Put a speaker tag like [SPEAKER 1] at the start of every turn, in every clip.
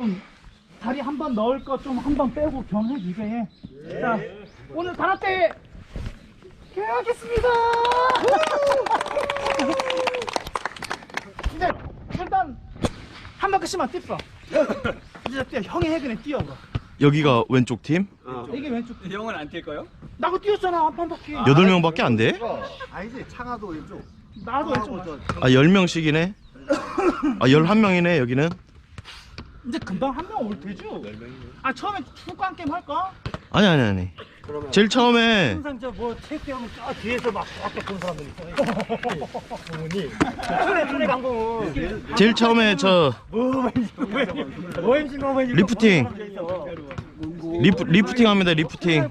[SPEAKER 1] 좀 다리 한 번 넣을 거 좀 한 번 빼고 경해지게 해. 자, 오늘 가라떼 개하겠습니다. 이제 일단 한 바퀴씩만 뛰어. 이제 뛰어. 형이 해 그냥 뛰어.
[SPEAKER 2] 여기가 왼쪽 팀?
[SPEAKER 1] 이게 왼쪽.
[SPEAKER 3] 형은 안 뛸까요?
[SPEAKER 1] 나도 뛰었잖아 한 바퀴.
[SPEAKER 2] 8명밖에 안 돼?
[SPEAKER 4] 아니지 창하도 왼쪽.
[SPEAKER 1] 나도 왼쪽.
[SPEAKER 2] 아 10명씩이네? 아 11명이네 여기는?
[SPEAKER 1] 이제 금방 한 명 올 테죠? 아 처음에 축구한 게임 할까?
[SPEAKER 2] 아니 제일 처음에
[SPEAKER 1] 항상 저뭐 체육대하면 저 뒤에서 막 밖에 본 사람들 있어. 부모님. 손에 강봉은.
[SPEAKER 2] 제일 처음에 저 리프팅 리프팅 합니다. 리프팅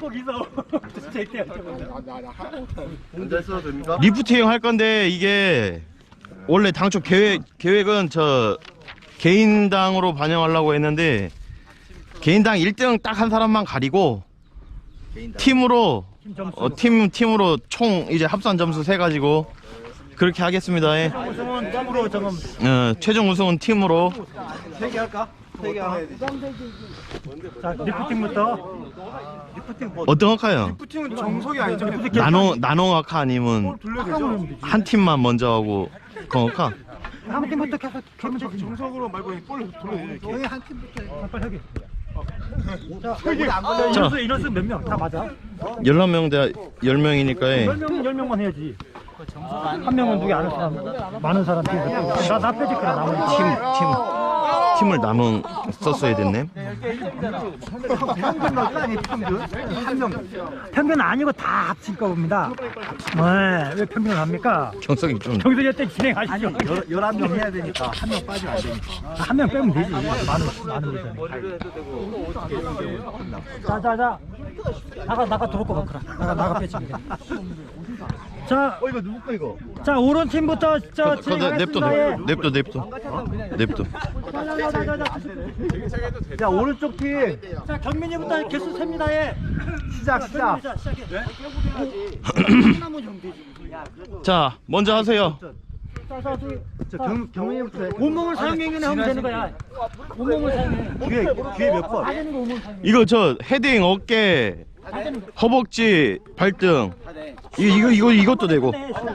[SPEAKER 4] 앉아 있어도 됩니까?
[SPEAKER 2] 리프팅 할 건데 이게 원래 당초 계획은 저 개인당으로 반영하려고 했는데 개인당 1등 딱 한 사람만 가리고 팀으로 팀으로 총 이제 합산 점수 세 가지고 그렇게 하겠습니다. 예.
[SPEAKER 1] 우승은 덤으로 점검.
[SPEAKER 2] 최종 우승은 팀으로.
[SPEAKER 4] 3개 할까? 3개 하나.
[SPEAKER 1] 자 리프팅부터.
[SPEAKER 2] 어떤 학과요?
[SPEAKER 4] 리프팅은 정석이 아니죠?
[SPEAKER 2] 나노 학과 아니면 한 팀만 먼저 하고 그 학과?
[SPEAKER 1] 한 팀부터 계속 하면 되지.
[SPEAKER 4] 정석으로 말고 볼 돌려줘. 형이 한 팀부터.
[SPEAKER 1] 빨리 하게.
[SPEAKER 2] 자,
[SPEAKER 1] 인원수 몇 명? 다 맞아?
[SPEAKER 2] 11명 대 10명이니까
[SPEAKER 1] 10명만 해야지. 한 명은 누구 아는 사람, 많은 사람 팀. 나 빼지 그래 나머지
[SPEAKER 2] 팀을 나눠 썼어야 됐네.
[SPEAKER 4] 평균 넣을까? 아니 평균? 한 명.
[SPEAKER 1] 평균 아니고 다 합칠 겁니다. 네, 왜 평균을 합니까?
[SPEAKER 2] 경석이 좀
[SPEAKER 1] 정석이 때 진행하시죠.
[SPEAKER 4] 11명 해야 되니까 한 명 빠지면 안 되니까.
[SPEAKER 1] 한 명 빼면 되지. 많은 거잖아. 자. 나가 들어올 거 같구나. 나가 빼지. 자,
[SPEAKER 4] 이거 누구 거 이거?
[SPEAKER 1] 자 오른 팀부터 저
[SPEAKER 2] 냅둬.
[SPEAKER 4] 자 오른쪽 팀
[SPEAKER 1] 자 경민이부터 개수 셉니다. 예.
[SPEAKER 4] 시작.
[SPEAKER 1] 시작해.
[SPEAKER 2] 자, 먼저 하세요.
[SPEAKER 4] 자 경민이부터 해.
[SPEAKER 1] 온몸을 사용해 하면 되는 거야. 온몸을 사용해.
[SPEAKER 4] 뒤에 몇 번?
[SPEAKER 1] 다 되는 거 온몸 사용해.
[SPEAKER 2] 이거 저 헤딩 어깨 허벅지 발등 이것도 되고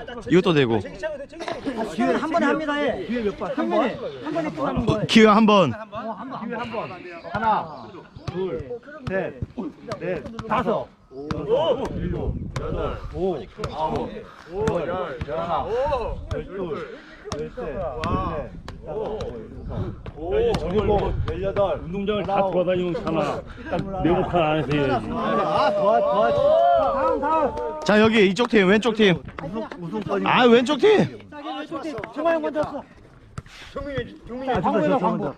[SPEAKER 1] 기회 한 번에 합니다. 예.
[SPEAKER 4] 뒤에 몇 번?
[SPEAKER 1] 한 번에 끝나는 거예요.
[SPEAKER 2] 기회 한 번.
[SPEAKER 4] 기회 한 번. 하나, 둘, 셋, 넷,
[SPEAKER 1] 다섯.
[SPEAKER 4] 일곱, 여덟, 아홉, 열, 열하나, 열둘, 열셋, 열넷, 열일곱, 열여덟.
[SPEAKER 5] 운동장을 다 돌아다니면 사나 딱 네모칸 안에서 해야지.
[SPEAKER 1] 다음.
[SPEAKER 2] 자, 여기 이쪽 팀 왼쪽 팀.
[SPEAKER 4] 우승권이.
[SPEAKER 2] 아, 왼쪽 팀.
[SPEAKER 1] 정화 형 먼저 왔어.
[SPEAKER 4] 경민이
[SPEAKER 1] 광고.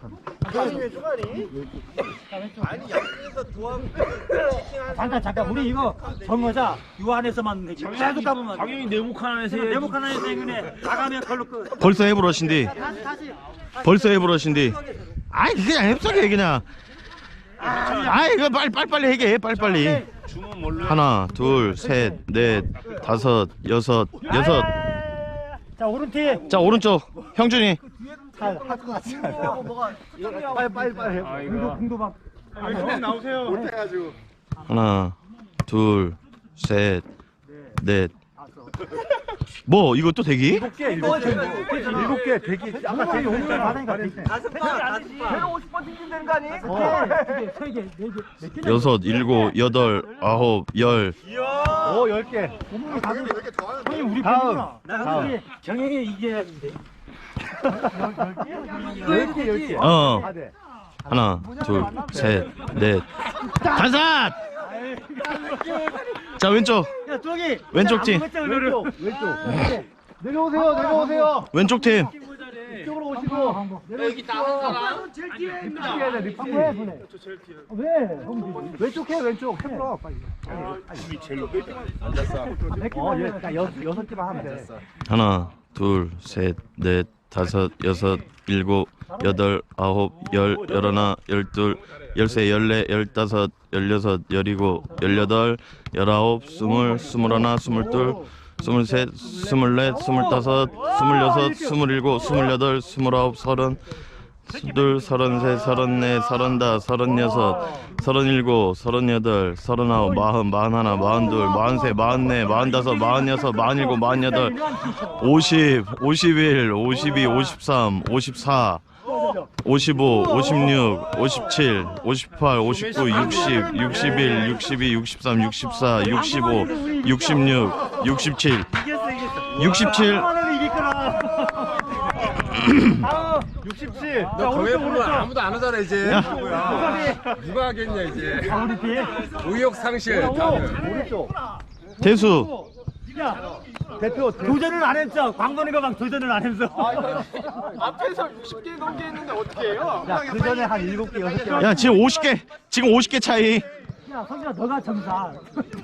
[SPEAKER 1] 잠깐 우리 이거 정하자. 요 안에서만 계속 가보면
[SPEAKER 5] 당연히 네모칸 안에서 해야지.
[SPEAKER 1] 네모칸 안에서 행운에 나가면 걸로 끝.
[SPEAKER 2] 벌써 해버러신디. 벌써 해버러신디. 아이, 그냥 앱석이 그냥. 아이, 이거 빨리 해게. 빨리. 하나, 둘, 셋, 넷, 다섯, 여섯.
[SPEAKER 1] 자 오른팀.
[SPEAKER 2] 자, 오른쪽 형준이.
[SPEAKER 4] 할것 같지 않아? 빨리 해.
[SPEAKER 1] 공도 막.
[SPEAKER 4] 나오세요. 못해가지고.
[SPEAKER 2] 하나, 둘, 셋, 넷. 뭐 이것도 대기?
[SPEAKER 4] 7개 대기. 아까 대기
[SPEAKER 1] 오늘 받으니까
[SPEAKER 4] 다섯 번. 50번 튕긴다는 거 아니에요?
[SPEAKER 1] 세 개, 네 개, 몇 개?
[SPEAKER 2] 여섯, 일곱, 여덟, 아홉, 열.
[SPEAKER 4] 오 10개.
[SPEAKER 1] 형님 우리
[SPEAKER 4] 다음.
[SPEAKER 1] 나 경영이 이겨야 돼.
[SPEAKER 4] 10개.
[SPEAKER 2] 어. 하나, 둘, 셋, 넷, 다섯. 자, 왼쪽.
[SPEAKER 1] 야 저기.
[SPEAKER 2] 왼쪽 팀.
[SPEAKER 4] 왼쪽. 내려오세요.
[SPEAKER 2] 왼쪽 팀.
[SPEAKER 4] 이쪽으로 오시고. 여기 나온 사람 제일 뒤에 있습니다.
[SPEAKER 1] 왜?
[SPEAKER 4] 왼쪽 해 왼쪽. 해봐 빨리. 앉았어. 여섯 개만 하면 돼.
[SPEAKER 2] 하나, 둘, 셋, 넷, 다섯, 여섯, 일곱, 여덟, 아홉, 열, 열하나, 열둘, 열세, 열네, 열다섯, 열여섯, 열일곱, 열여덟, 열아홉, 스물, 스물하나, 스물둘, 스물셋, 스물넷, 스물다섯, 스물여섯, 스물일곱, 스물여덟, 스물아홉, 서른, 둘, 33, 34, 35, 36, 37, 38, 39, 40, 41, 42, 43, 44, 45, 46, 47, 50, 51, 52, 53, 54, 55, 56, 57, 58, 59, 60, 61, 62, 63, 64, 65, 66, 67, 67.
[SPEAKER 4] 67.
[SPEAKER 1] 자, 오른쪽 오른쪽.
[SPEAKER 3] 아무도 안 하잖아 이제.
[SPEAKER 2] 야.
[SPEAKER 3] 누가 하겠냐 이제.
[SPEAKER 1] 아, 우리 뒤에.
[SPEAKER 3] 의욕 상실. 다들.
[SPEAKER 4] 오른쪽.
[SPEAKER 2] 대수.
[SPEAKER 1] 야,
[SPEAKER 4] 대표.
[SPEAKER 1] 도전을 안 했죠. 광건이가 막 도전을 안 했어.
[SPEAKER 6] 앞에서 60개 넘게 했는데 어떻게 해요?
[SPEAKER 4] 야, 그 전에 한 7개, 6개.
[SPEAKER 2] 야, 지금 50개. 지금 50개 차이.
[SPEAKER 1] 야, 성진아 너가 점사.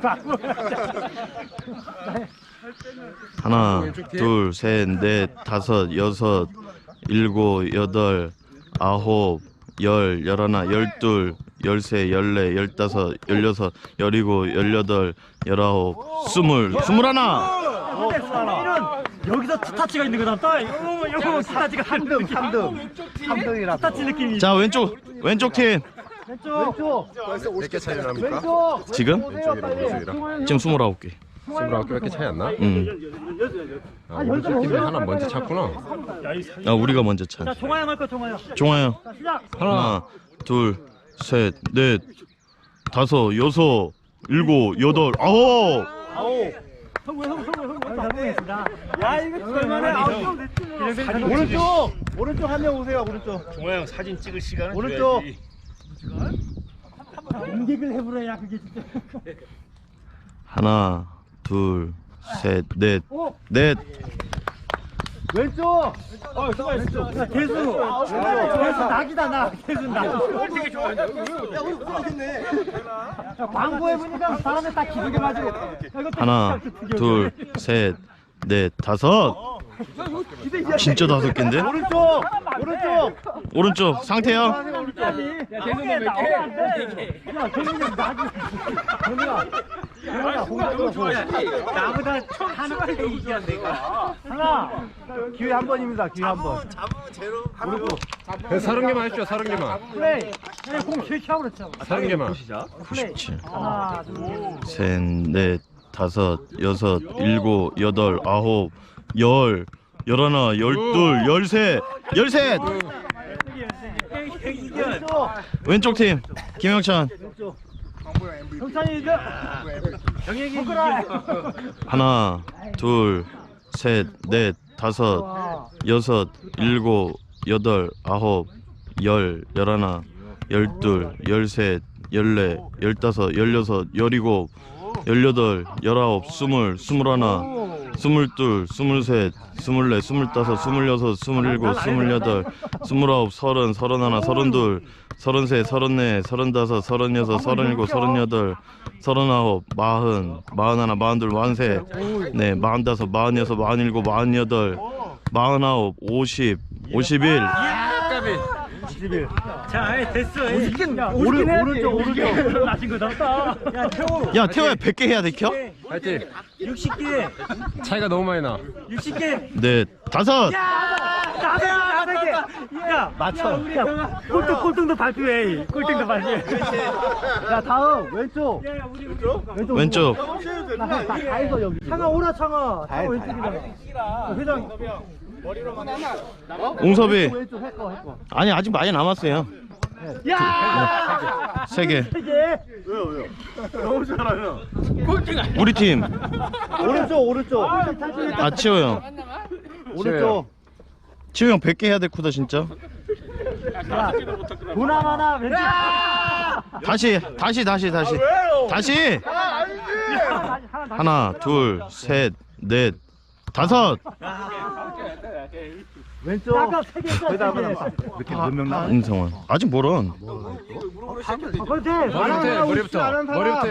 [SPEAKER 2] 하나, 둘, 셋, 넷, 다섯, 여섯, 일곱, 여덟, 아홉, 열, 열하나, 열둘, 열세, 열네, 열다섯, 열여섯, 열일곱, 열여덟, 열아홉, 스물, 스물하나.
[SPEAKER 1] 이런 여기서 투타치가 있는 거다. 또 이거 투타치가
[SPEAKER 4] 3등, 3등. 3등이라.
[SPEAKER 1] 투타치 느낌이.
[SPEAKER 2] 자, 왼쪽 팀.
[SPEAKER 1] 왼쪽.
[SPEAKER 3] 몇 개 차이 납니까?
[SPEAKER 1] 왼쪽.
[SPEAKER 2] 지금?
[SPEAKER 3] 왼쪽이랑 오른쪽이랑.
[SPEAKER 2] 지금 29개.
[SPEAKER 3] 29개밖에 차이 안 나? 아,
[SPEAKER 1] 열두
[SPEAKER 3] 오른쪽 팀이
[SPEAKER 1] 개.
[SPEAKER 3] 하나 먼저 찼구나.
[SPEAKER 2] 아, 우리가 먼저 차.
[SPEAKER 1] 자, 종아야 할 거 종아야.
[SPEAKER 2] 종아야.
[SPEAKER 1] 자, 시작.
[SPEAKER 2] 하나, 둘, 셋, 넷, 다섯, 여섯, 일곱, 여덟, 아홉.
[SPEAKER 1] 성공했습니다. 야, 이거 얼마나
[SPEAKER 4] 오른쪽! 오른쪽 한 명 오세요, 오른쪽.
[SPEAKER 5] 종아 형 사진 찍을 시간은
[SPEAKER 4] 오른쪽.
[SPEAKER 5] 줘야지.
[SPEAKER 1] 인객을 해보려야 그게 진짜.
[SPEAKER 2] 하나, 둘, 셋, 넷,
[SPEAKER 1] 오,
[SPEAKER 2] 넷.
[SPEAKER 4] 왼쪽!
[SPEAKER 1] 야, 대수. 낙이다 나. 대수 낙. 야, 광고 해보니까 사람들 다 기분이 맞고.
[SPEAKER 2] 하나, 둘, 셋, 넷, 다섯. 진짜 5개인데?
[SPEAKER 4] 오른쪽! 오른쪽!
[SPEAKER 2] 오른쪽 상태요.
[SPEAKER 1] 야, 대수는 몇 개? 야, 정민이 낙이. 나보다 하나 이기야 내가. 하나.
[SPEAKER 4] 기회 한 번입니다, 기회 한 번. 오른쪽.
[SPEAKER 3] 30개만 했죠, 30개만.
[SPEAKER 1] 플레이. 그냥 공 실시하고 그랬죠.
[SPEAKER 3] 30개만.
[SPEAKER 2] 97.
[SPEAKER 1] 하나, 둘.
[SPEAKER 2] 셋, 넷, 다섯, 여섯, 일곱, 여덟, 아홉, 열, 열하나, 열둘, 열셋, 열셋. 왼쪽 팀 김영찬.
[SPEAKER 1] 경찬이 이제 정혁이 이겨.
[SPEAKER 2] 하나, 둘, 셋, 넷, 다섯, 여섯, 일곱, 여덟, 아홉, 열, 열하나, 열둘, 열셋, 열네, 열다섯, 열여섯, 열일곱, 열여덟, 열아홉, 스물, 스물하나, 스물둘, 스물셋, 스물넷, 스물다섯, 스물여섯, 스물일곱, 스물여덟, 스물아홉, 서른, 서른하나, 서른둘, 서른셋, 서른넷, 서른다섯, 서른여섯, 서른일곱, 서른여덟, 서른아홉, 마흔, 마흔하나, 마흔둘, 마흔셋, 네, 마흔다섯, 마흔여섯, 마흔일곱, 마흔여덟, 마흔아홉, 50, 51.
[SPEAKER 1] 자, 됐어.
[SPEAKER 4] 오른쪽.
[SPEAKER 1] 나신 거다. 야, 태호.
[SPEAKER 2] 야, 태호야 100개 해야 돼, 켜?
[SPEAKER 3] 파이팅.
[SPEAKER 1] 60개.
[SPEAKER 3] 차이가 너무 많이 나.
[SPEAKER 1] 60개.
[SPEAKER 2] 네, 다섯.
[SPEAKER 1] 야, 맞춰. 야, 꼴등도 발표해. 꼴등도 발표해.
[SPEAKER 4] 자, 다음, 왼쪽.
[SPEAKER 2] 왼쪽.
[SPEAKER 4] 다 있어, 여기.
[SPEAKER 1] 창아 오라 창아.
[SPEAKER 4] 다 해,
[SPEAKER 1] 왼쪽이다. 회장.
[SPEAKER 2] 옹섭이.
[SPEAKER 4] 왼쪽 했거.
[SPEAKER 2] 아니, 아직 많이 남았어요.
[SPEAKER 1] 야!
[SPEAKER 2] 3개.
[SPEAKER 1] 3개.
[SPEAKER 2] 우리 팀.
[SPEAKER 4] 오른쪽.
[SPEAKER 2] 아, 치호 형.
[SPEAKER 4] 오른쪽.
[SPEAKER 2] 치호 형 100개 해야 될 쿠다, 진짜.
[SPEAKER 1] 야, 보나마나 왼쪽.
[SPEAKER 2] 다시. 하나, 둘, 셋, 넷, 다섯.
[SPEAKER 4] 왼쪽.
[SPEAKER 1] 아까 3개 했잖아.
[SPEAKER 4] 거기다
[SPEAKER 1] 3개.
[SPEAKER 4] 이렇게 몇 명 남아?
[SPEAKER 2] 임성원. 아직 멀은.
[SPEAKER 1] 그렇지.
[SPEAKER 3] 머리부터.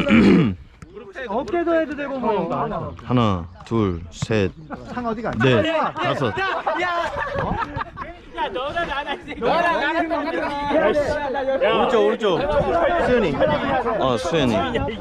[SPEAKER 1] 어깨도 해도 되고 뭐.
[SPEAKER 2] 하나, 둘, 셋,
[SPEAKER 4] 창 어디가?
[SPEAKER 2] 넷, 다섯. 오른쪽. 수현이. 수현이.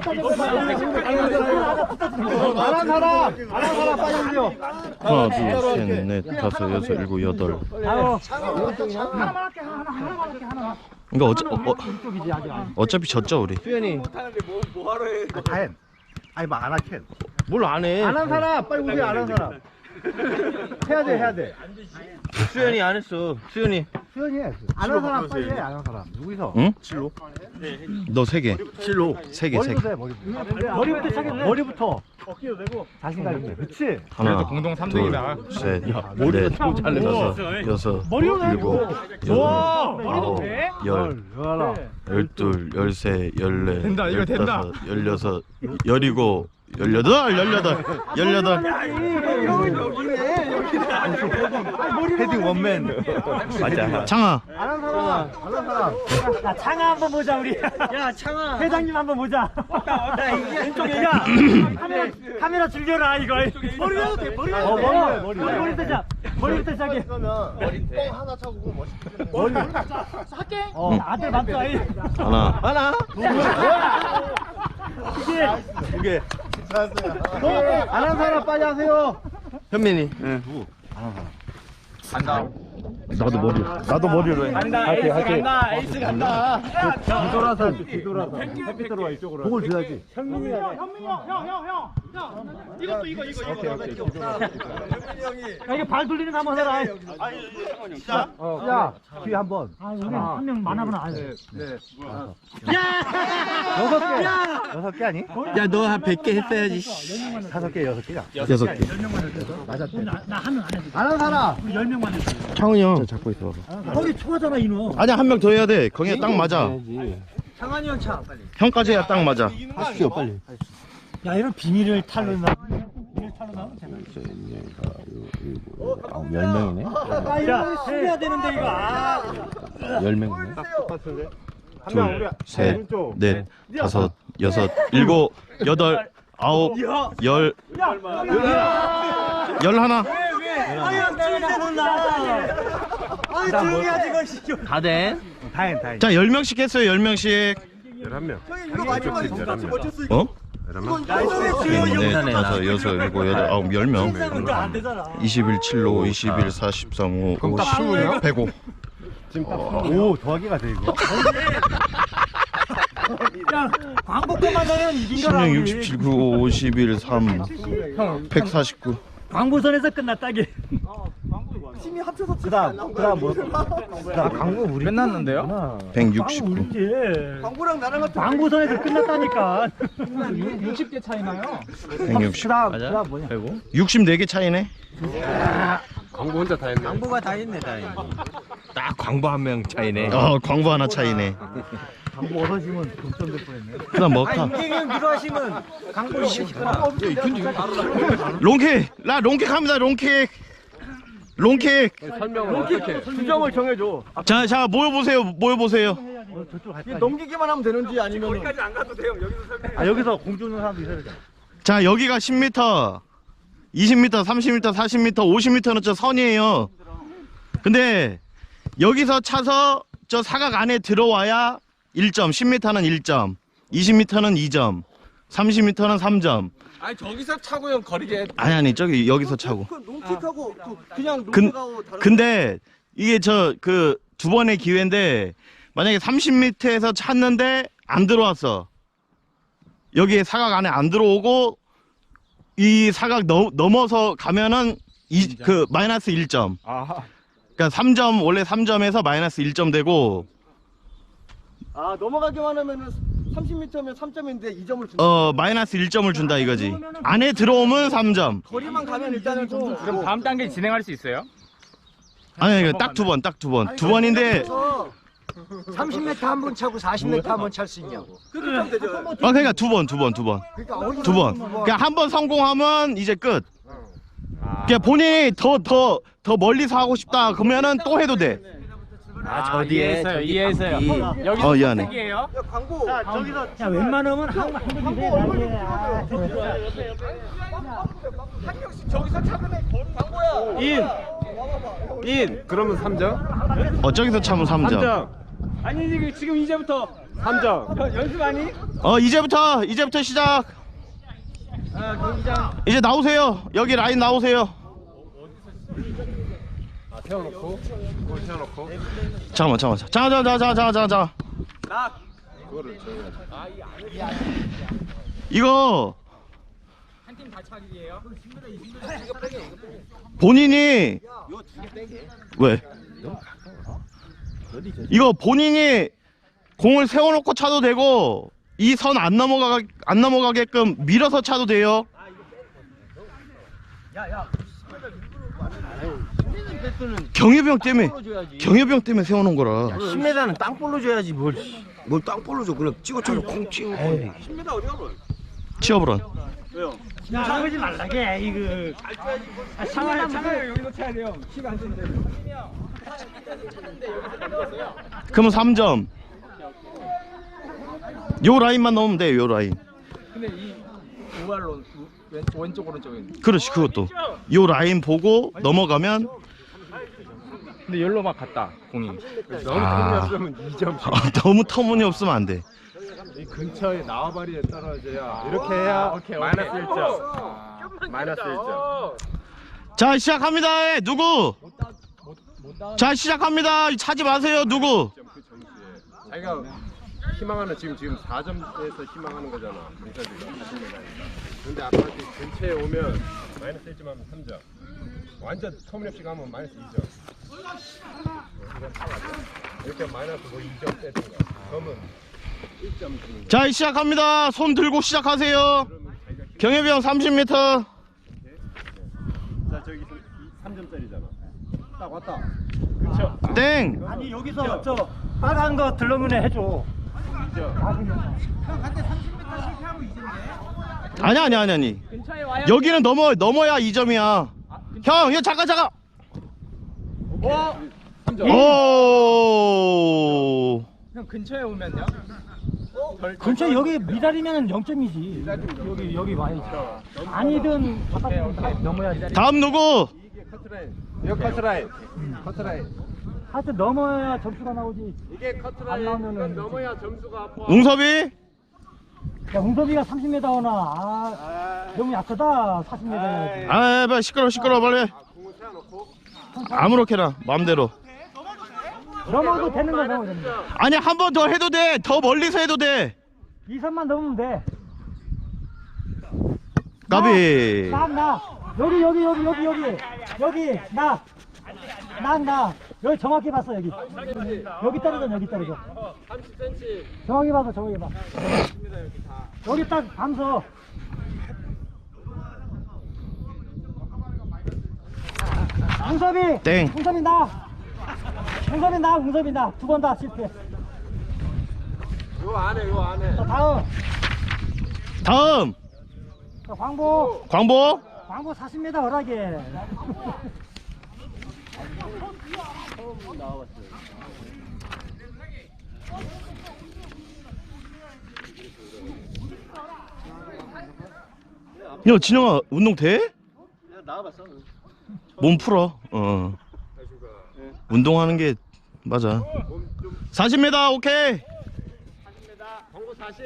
[SPEAKER 4] 안한 사람 빨리 올려.
[SPEAKER 2] 하나, 둘, 셋, 넷, 다섯, 여섯, 일곱, 여덟.
[SPEAKER 1] 하나만 할게 하나.
[SPEAKER 2] 이거 어차피 졌죠 우리.
[SPEAKER 4] 수현이. 다행. 아니 뭐 안 하캔.
[SPEAKER 2] 뭘 안 해?
[SPEAKER 4] 안 한 사람 빨리 오세요. 안 한 사람. 해야 돼.
[SPEAKER 2] 수현이 안 했어. 수현이.
[SPEAKER 4] 수현이 해. 안 한 사람 빨리 해. 안 한 사람. 누구서?
[SPEAKER 2] 응? 너 3개.
[SPEAKER 4] 실로.
[SPEAKER 2] 3개.
[SPEAKER 4] 머리부터 해. 머리부터 시작해. 머리부터. 어깨도 되고. 자신감 있게. 그렇지.
[SPEAKER 2] 하나,
[SPEAKER 3] 공동
[SPEAKER 2] 둘,
[SPEAKER 3] 3등이다.
[SPEAKER 2] 셋, 넷, 다섯, 여섯, 일곱, 여덟, 아홉, 열, 열둘, 열세, 열네, 열다섯, 열여섯, 열일곱, 열여덟.
[SPEAKER 4] 헤딩 원맨. 맞아.
[SPEAKER 2] 창아.
[SPEAKER 4] 안 한 사람.
[SPEAKER 1] 야 창아 한번 보자 우리. 야 창아. 회장님 한번 보자. 왼쪽에가 카메라 즐겨라 이거. 머리로 돼. 머리부터 시작. 머리부터 시작해.
[SPEAKER 4] 하나 차고 멋있게.
[SPEAKER 1] 할게. 아들 맞죠?
[SPEAKER 2] 하나.
[SPEAKER 1] 이게
[SPEAKER 4] 안 한 사람 빨리 하세요.
[SPEAKER 2] 현민이.
[SPEAKER 3] 나도 머리로 해.
[SPEAKER 6] 간다 에이스 간다.
[SPEAKER 4] 뒤돌아서 햇빛 들어와 이쪽으로. 복을 줘야지.
[SPEAKER 1] 현민이 형. 이것도 이거. 야 이게 발 돌리는 거 한번 해라.
[SPEAKER 4] 야, 뒤에 한 번.
[SPEAKER 1] 우리 한 명 많아보나.
[SPEAKER 4] 여섯 개 아니?
[SPEAKER 2] 야, 너 한 100개 했어야지.
[SPEAKER 4] 5개, 6개야.
[SPEAKER 2] 6개.
[SPEAKER 4] 맞았대.
[SPEAKER 1] 나한 명 안 했어.
[SPEAKER 4] 안 한 사람.
[SPEAKER 1] 우리 10명만 했어.
[SPEAKER 2] 창훈이 형. 잡고 있어.
[SPEAKER 1] 거기 초하잖아 이놈.
[SPEAKER 2] 아니야, 한 명 더 해야 돼. 거기에 딱 맞아.
[SPEAKER 1] 창환이 형 차. 빨리.
[SPEAKER 2] 형까지 해야 딱 맞아.
[SPEAKER 4] 하십시오, 빨리.
[SPEAKER 1] 야 이런 비밀을 탈로 나. 비밀 탈로 나오면 되나?
[SPEAKER 2] 10명이네.
[SPEAKER 1] 야 해야 되는데 이거.
[SPEAKER 2] 10명이네. 둘, 셋, 넷, 다섯, 여섯, 일곱, 여덟, 아홉, 열, 열하나.
[SPEAKER 1] 조용히 하지 이거.
[SPEAKER 2] 다 된.
[SPEAKER 4] 다행.
[SPEAKER 2] 자, 10명씩 했어요. 10명씩.
[SPEAKER 3] 11명.
[SPEAKER 2] 어? 넷, 다섯, 여섯, 일곱, 여덟, 아홉, 10명.
[SPEAKER 1] 안 되잖아.
[SPEAKER 2] 21, 7로, 21, 43, 5, 5, 10, 105.
[SPEAKER 4] 오, 더하기가 돼, 이거.
[SPEAKER 1] 야 광고권만 넣으면 이긴 거라.
[SPEAKER 2] 16, 67, 9, 51, 3, 149.
[SPEAKER 1] 광고선에서 끝났다 이게.
[SPEAKER 4] 그다음 뭐? 그다음 광고 우리
[SPEAKER 6] 끝났는데요?
[SPEAKER 2] 169.
[SPEAKER 1] 이제
[SPEAKER 6] 광고랑 나랑 같은
[SPEAKER 1] 광고선에서 끝났다니까.
[SPEAKER 6] 60개 차이 나요.
[SPEAKER 2] 160.
[SPEAKER 4] 그다음 뭐냐?
[SPEAKER 2] 64개 차이네.
[SPEAKER 3] 광고 혼자 다 했네.
[SPEAKER 6] 광고가 다 했네 다.
[SPEAKER 3] 딱 광고 한 명 차이네.
[SPEAKER 2] 광고 하나 차이네.
[SPEAKER 4] 광고 얻어지면 동점될 뻔했네.
[SPEAKER 2] 그다음 먹타.
[SPEAKER 6] 임경영 네가 하시면 광고 시키거나.
[SPEAKER 2] 롱킥. 나 롱킥 합니다. 롱킥.
[SPEAKER 3] 설명을 어떻게?
[SPEAKER 6] 수정을 정해줘.
[SPEAKER 2] 자, 모여보세요.
[SPEAKER 4] 저쪽 갈
[SPEAKER 6] 넘기기만 하면 되는지 아니면
[SPEAKER 4] 아, 여기서 공주는 사람도 있어야 되잖아.
[SPEAKER 2] 자, 여기가 10m, 20m, 30m, 40m, 50m는 저 선이에요. 근데 여기서 차서 저 사각 안에 들어와야 1점, 10m는 1점, 20m는 2점, 30m는 3점.
[SPEAKER 6] 아니 저기서 차고 형 거리게.
[SPEAKER 2] 아니, 저기 여기서 차고.
[SPEAKER 6] 롱킥하고 그냥
[SPEAKER 2] 근, 근데 이게 그 두 번의 기회인데 만약에 30m에서 찼는데 안 들어왔어. 여기에 사각 안에 안 들어오고 이 사각 넘어서 가면은 그 마이너스 1점. 그러니까 3점 원래 3점에서 마이너스 1점 되고
[SPEAKER 6] 아 넘어가기만 하면은 30m면 3점인데 2점을 준다.
[SPEAKER 2] 마이너스 1점을 준다 이거지. 안에 들어오면 3점.
[SPEAKER 6] 거리만 가면 일단은 점수 주고. 그럼
[SPEAKER 5] 다음 단계 진행할 수 있어요?
[SPEAKER 2] 아니 딱 두 번. 두 번인데
[SPEAKER 7] 30m 한 번 차고 40m 한 번 찰 수 있냐고.
[SPEAKER 6] 그렇게 하면 되죠.
[SPEAKER 2] 그러니까 두 번.
[SPEAKER 7] 그러니까 어디
[SPEAKER 2] 두 번. 그러니까 한 번 성공하면 이제 끝. 그러니까 본인이 더 멀리서 하고 싶다 그러면은 또 해도 돼.
[SPEAKER 5] 저 뒤에 이해했어요. 여기서
[SPEAKER 2] 미안해.
[SPEAKER 5] 선택이에요?
[SPEAKER 6] 광고.
[SPEAKER 1] 야 웬만하면 한번
[SPEAKER 6] 저기서 차면 광고야.
[SPEAKER 3] 인 그러면 3점.
[SPEAKER 2] 저기서 참으면 3점.
[SPEAKER 3] 3점.
[SPEAKER 6] 아니 지금 이제부터
[SPEAKER 3] 3점.
[SPEAKER 6] 연습 아니?
[SPEAKER 2] 이제부터 시작. 이제 나오세요. 여기 라인 나오세요.
[SPEAKER 3] 아, 세워놓고. 그걸 세워놓고.
[SPEAKER 2] 잠깐만. 자.
[SPEAKER 3] 그거를 줘야지.
[SPEAKER 2] 이거 본인이 왜? 이거 본인이 공을 세워놓고 차도 되고 이 선 안 넘어가게끔 밀어서 차도 돼요. 경유병 때문에 세워놓은 거라.
[SPEAKER 7] 10m는 땅볼로 줘야지 뭘 땅볼로 줘. 그냥 찍어쳐서 콩 찍어.
[SPEAKER 2] 치어브런.
[SPEAKER 1] 장하지 말라게 이거.
[SPEAKER 6] 차를 여기서 차야 돼요. 키가 안 되는데.
[SPEAKER 2] 그러면 3점. 요 라인만 넣으면 돼. 요 라인.
[SPEAKER 6] 근데 이 오발론 왼쪽 오른쪽에.
[SPEAKER 2] 그렇지 그것도. 요 라인 보고 넘어가면.
[SPEAKER 6] 근데 열로 막 갔다 공이.
[SPEAKER 3] 너무 터무니없으면 2점.
[SPEAKER 2] 너무 터무니없으면 안 돼.
[SPEAKER 3] 이 근처에 나와바리에 떨어져야 이렇게 해야 마이너스 1점. 마이너스 1점.
[SPEAKER 2] 자 시작합니다. 누구? 자 시작합니다. 차지 마세요. 누구?
[SPEAKER 3] 그 점수에 자기가 희망하는 지금 4점에서 희망하는 거잖아. 공사들이 40m. 근데 아까 근처에 오면 마이너스 1점 하면 3점. 완전 터무니없이 가면 마이너스 2점. 이렇게 마이너스 뭐 2점 떼든가. 그러면 1점 주는 거.
[SPEAKER 2] 자 시작합니다. 손 들고 시작하세요. 경혜병 30m.
[SPEAKER 3] 자 저기 3점짜리잖아. 딱 왔다. 그쵸?
[SPEAKER 2] 땡.
[SPEAKER 1] 아니 여기서 저 빨간 거 들러문에 해줘.
[SPEAKER 2] 아니. 여기는 넘어야 2점이야. 형, 이거 잠깐.
[SPEAKER 3] 3점.
[SPEAKER 2] 오.
[SPEAKER 6] 형 근처에 오면요?
[SPEAKER 1] 근처 여기 미달이면 0점이지. 여기 와야지. 아니든 바깥에 넘어야지.
[SPEAKER 2] 다음 누구?
[SPEAKER 3] 이게 커트라인. 이거 커트라인. 커트라인.
[SPEAKER 1] 하여튼 넘어야 점수가 나오지.
[SPEAKER 3] 이게
[SPEAKER 1] 안
[SPEAKER 3] 커트라인.
[SPEAKER 1] 나오면은
[SPEAKER 3] 이건 넘어야 점수가 아파.
[SPEAKER 2] 웅섭이?
[SPEAKER 1] 야, 웅섭이가 30m 오나. 너무 약하다. 40m 해야지.
[SPEAKER 2] 빨리 시끄러워 빨리.
[SPEAKER 3] 공을 세워놓고.
[SPEAKER 2] 아무렇게나 마음대로.
[SPEAKER 1] 넘어도 되는 거 넘어도 되는 거.
[SPEAKER 2] 아니 한 번 더 해도 돼. 더 멀리서 해도 돼.
[SPEAKER 1] 2선만 넘으면 돼.
[SPEAKER 2] 까비.
[SPEAKER 1] 나. 여기 나. 여기 정확히 봤어 여기. 여기 떨어져.
[SPEAKER 3] 30cm.
[SPEAKER 1] 정확히 봐. 여기 딱 감서. 웅섭이.
[SPEAKER 2] 땡.
[SPEAKER 1] 웅섭이 나. 두 번 다 실패.
[SPEAKER 3] 요 안에.
[SPEAKER 1] 자,
[SPEAKER 2] 다음.
[SPEAKER 1] 자, 광보.
[SPEAKER 2] 광보.
[SPEAKER 1] 광보 40m 허락해.
[SPEAKER 2] 야 진영아 운동 돼? 나와봤어. 몸 풀어. 운동하는 게 맞아. 40m 오케이.
[SPEAKER 3] 40m. 광고 40.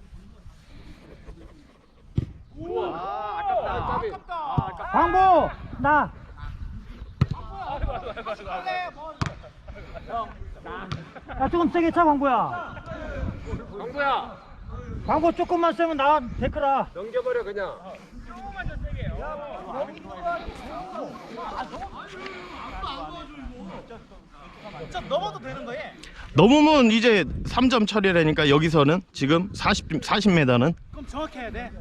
[SPEAKER 3] 아깝다.
[SPEAKER 1] 광보 나. 야 조금 세게 차 광보야. 광보 조금만 세면 나 데크라.
[SPEAKER 3] 넘겨버려 그냥.
[SPEAKER 2] 넘으면 이제 3점 처리라니까 여기서는 지금 40m는.
[SPEAKER 1] 그럼 정확히 해야 돼.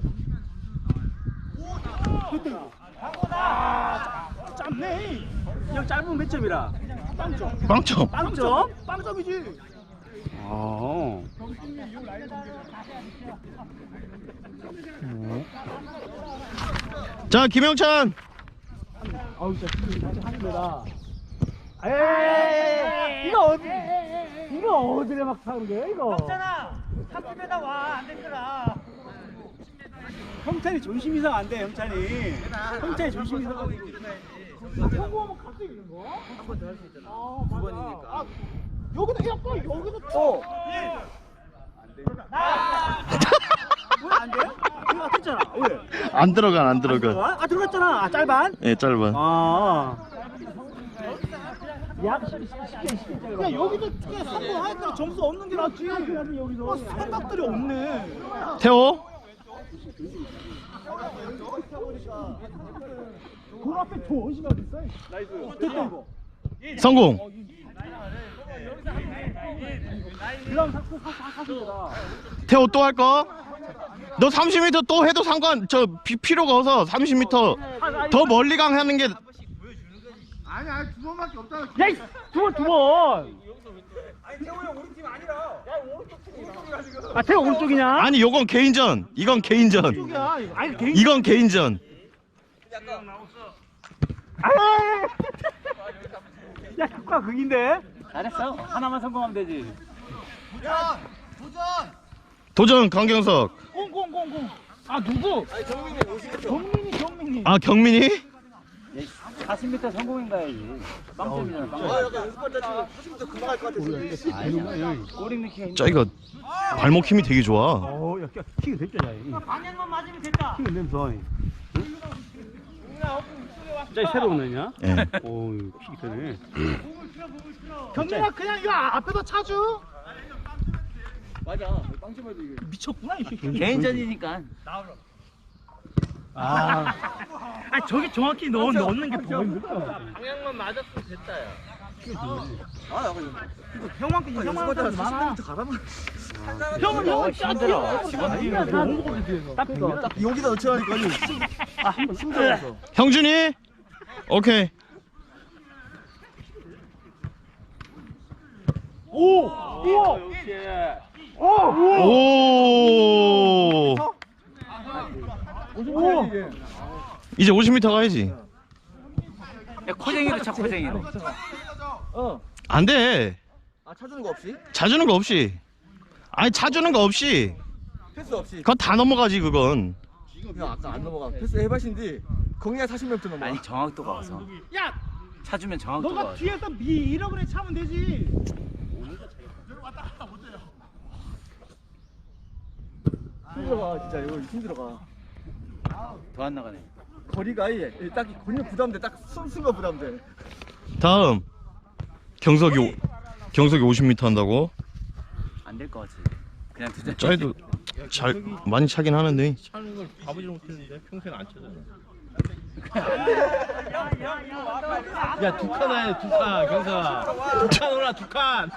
[SPEAKER 1] 짧네. 형 짧으면 몇 점이라?
[SPEAKER 2] 빵점.
[SPEAKER 1] 빵점이지.
[SPEAKER 2] 자 김영찬.
[SPEAKER 1] 에이, 이거 어디래 막 사는 거야 이거? 없잖아. 30m 와, 안 됐구나. 형찬이 존심 이상 안 돼, 형찬이. 형찬이 존심 이상.
[SPEAKER 6] 성공하면 갈 수 있는 거? 한 번 더 할 수 있잖아. 두 번이니까. 여기도 약간 여기도 또. 왜안 돼요? 이거 됐잖아. 왜?
[SPEAKER 2] 안 들어가.
[SPEAKER 1] 아 들어갔잖아. 아 짧아.
[SPEAKER 2] 예, 짧아.
[SPEAKER 1] 아.
[SPEAKER 6] 야 여기도 그냥 성공하니까 점수 없는 게 낫지. 여기서 생각들이 없네.
[SPEAKER 2] 태호.
[SPEAKER 6] 돈 앞에 더 의심이 어딨어? 나이스. 됐다 이거.
[SPEAKER 2] 성공.
[SPEAKER 6] 그럼 사실이다.
[SPEAKER 2] 태호 또 할 거? 너 30m 또 해도 상관 필요가 없어. 30m 더 멀리 강하는 게
[SPEAKER 1] 야, 두 번. 아, 태호 오른쪽이냐?
[SPEAKER 2] 아니 요건 개인전. 이건 개인전.
[SPEAKER 1] 아니, 개인.
[SPEAKER 2] 이건 개인전.
[SPEAKER 1] 아! 야, 효과 극인데? 잘했어. 하나만 성공하면 되지.
[SPEAKER 2] 도전 강경석.
[SPEAKER 6] 공공공공. 아 누구? 경민이.
[SPEAKER 2] 아 경민이?
[SPEAKER 1] 40m 성공인가야지. 빵점이잖아. 꼬리 넣기가
[SPEAKER 2] 저 이거 발목 힘이 되게 좋아.
[SPEAKER 1] 어, 야, 키가 됐잖아. 방향만 맞으면 됐다. 키가 냄새. 짜 새로 오느냐?
[SPEAKER 2] 예.
[SPEAKER 1] 오, 키 되네.
[SPEAKER 6] 경민아 그냥 이거 앞에다 차주. 맞아. 빵집에도 이게 미쳤구나 이 새끼.
[SPEAKER 1] 개인전이니까. 아, 저기 정확히 넣는 게 더 힘들다.
[SPEAKER 6] 방향만 맞았으면 됐다 야.
[SPEAKER 1] 형만큼 많아.
[SPEAKER 6] 형은 형은
[SPEAKER 1] 힘들어. 딱
[SPEAKER 7] 여기다 넣자니까 힘들어서.
[SPEAKER 2] 형준이? 오케이.
[SPEAKER 1] 오!
[SPEAKER 2] 오. 이제 50m 가야지.
[SPEAKER 1] 야, 코쟁이로 차, 코쟁이로.
[SPEAKER 2] 안 돼.
[SPEAKER 7] 아 차주는 거 없이?
[SPEAKER 2] 차주는 거 없이. 아니 차주는 거 없이.
[SPEAKER 7] 패스 없이.
[SPEAKER 2] 그건 다 넘어가지 그건.
[SPEAKER 7] 형 아까 안 넘어가. 패스 해봤신데 거기가 40m 넘어가.
[SPEAKER 1] 아니, 정확도가 와서.
[SPEAKER 6] 야
[SPEAKER 1] 차주면 정확도가
[SPEAKER 6] 너가
[SPEAKER 1] 와서.
[SPEAKER 6] 뒤에서 밀어버려 차면 되지.
[SPEAKER 7] 힘들어가 진짜 이거 힘들어가.
[SPEAKER 1] 더 안 나가네.
[SPEAKER 7] 거리가 아예 딱 거리는 부담돼. 딱 순수가 부담돼.
[SPEAKER 2] 다음 경석이 50m 한다고?
[SPEAKER 1] 안 될 것 같지. 그냥 두자.
[SPEAKER 2] 짜이도 잘 많이 차긴 하는데.
[SPEAKER 5] 차는 걸 가보지 못했는데 평생 안 차잖아. 야, 두 칸 아야, 두 칸, 경사. 두 칸 올라, 두 칸.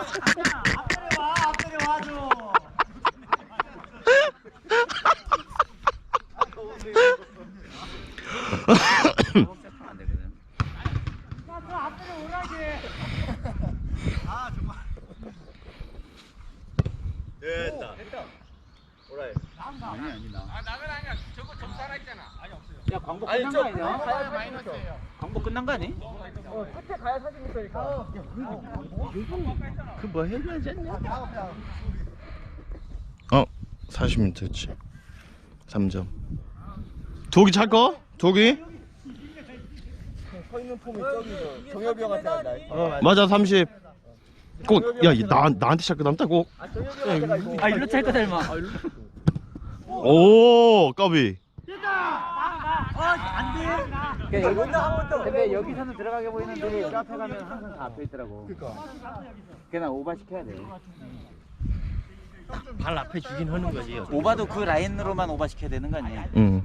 [SPEAKER 1] 안 되거든. 야, 광고 끝난 거 아니야? 광고 끝난 거 아니?
[SPEAKER 5] 그 뭐 해줘야지 않냐?
[SPEAKER 2] 40m였지. 3점. 도기 찰 거? 도기?
[SPEAKER 7] 서 있는 폼이 저기 정엽이 형한테 한다.
[SPEAKER 2] 맞아 30. 꼭 야 나한테 찰 거 남다 꼭.
[SPEAKER 1] 아, 일로 찰 거다, 임마.
[SPEAKER 2] 오 까비.
[SPEAKER 1] 근데 여기서는 들어가게 보이는데 저 앞에 가면 항상 다 앞에 있더라고. 그냥 오바 시켜야 돼.
[SPEAKER 5] 발 앞에 주긴 하는 거지.
[SPEAKER 1] 오바도 그 라인으로만 오바 시켜야 되는 거 아니야?
[SPEAKER 2] 응.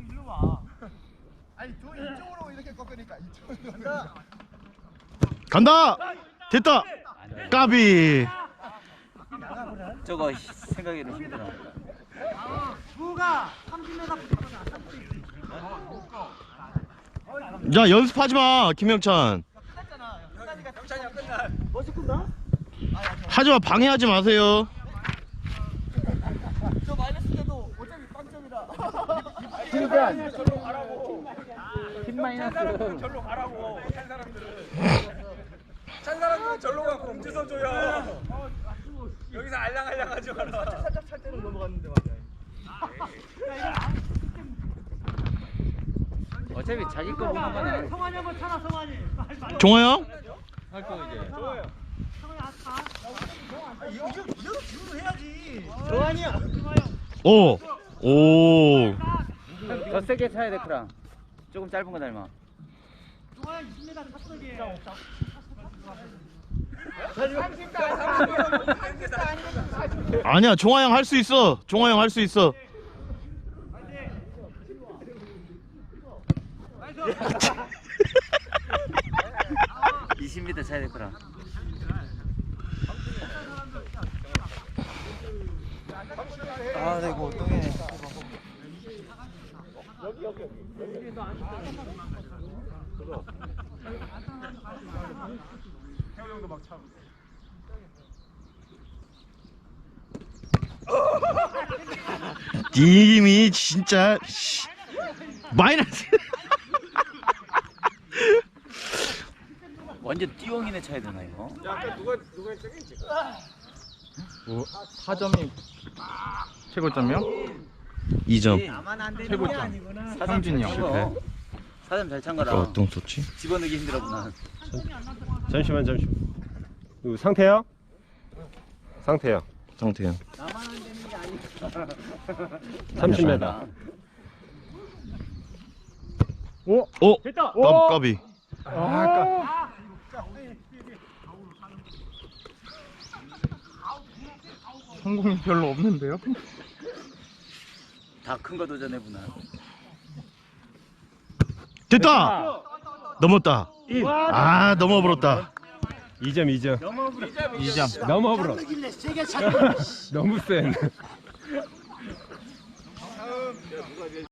[SPEAKER 2] 간다. 됐다. 까비.
[SPEAKER 1] 저거 생각해도 힘들어.
[SPEAKER 2] 야 연습하지 마 김영찬. 하지 마 방해하지 마세요.
[SPEAKER 7] 저 마이너스 때도 어차피 빵점이라.
[SPEAKER 1] 팀 마이너스.
[SPEAKER 6] 절로 가라고 찬 사람들은 절로 가고 공지서 줘야. 여기서 알랑알랑하지 마라.
[SPEAKER 7] 살짝 찰 때는 넘어갔는데 맞아.
[SPEAKER 8] 어차피 자기 거 보는 거는
[SPEAKER 1] 성환이 한번 차라 성환이.
[SPEAKER 2] 종호 형?
[SPEAKER 5] 할거 이제.
[SPEAKER 1] 성환이야.
[SPEAKER 2] 오. 오.
[SPEAKER 8] 더 세게 차야 돼 크랑. 조금 짧은 거 닮아.
[SPEAKER 1] 성환이 20m 탑석이에.
[SPEAKER 2] 아니야, 종화 형 할 수 있어. 종화 형 할 수 있어.
[SPEAKER 8] 이 20m 차야 돼 크랑.
[SPEAKER 7] 아, 나 이거 어떡해.
[SPEAKER 2] 님이 진짜 마이너스.
[SPEAKER 8] 완전 띠용이네 차야 되나 이거?
[SPEAKER 3] 야, 아까 누가 저기 지금
[SPEAKER 5] 4점이 최고점이요?
[SPEAKER 2] 2점.
[SPEAKER 5] 최고점.
[SPEAKER 8] 사삼준이 형 실패. 사점 잘 찬 거라.
[SPEAKER 2] 어떤 소치?
[SPEAKER 8] 집어넣기 힘들었구나.
[SPEAKER 3] 잠시만. 누구 상태야? 상태야.
[SPEAKER 2] 상태형.
[SPEAKER 3] 30m.
[SPEAKER 2] 오.
[SPEAKER 1] 됐다.
[SPEAKER 2] 까비.
[SPEAKER 5] 성공이 별로 없는데요?
[SPEAKER 8] 다 큰 거 도전해보나.
[SPEAKER 2] 됐다. 넘었다. 아, 넘어버렸다.
[SPEAKER 3] 2점.
[SPEAKER 5] 2점.
[SPEAKER 3] 넘어버려. 너무 센.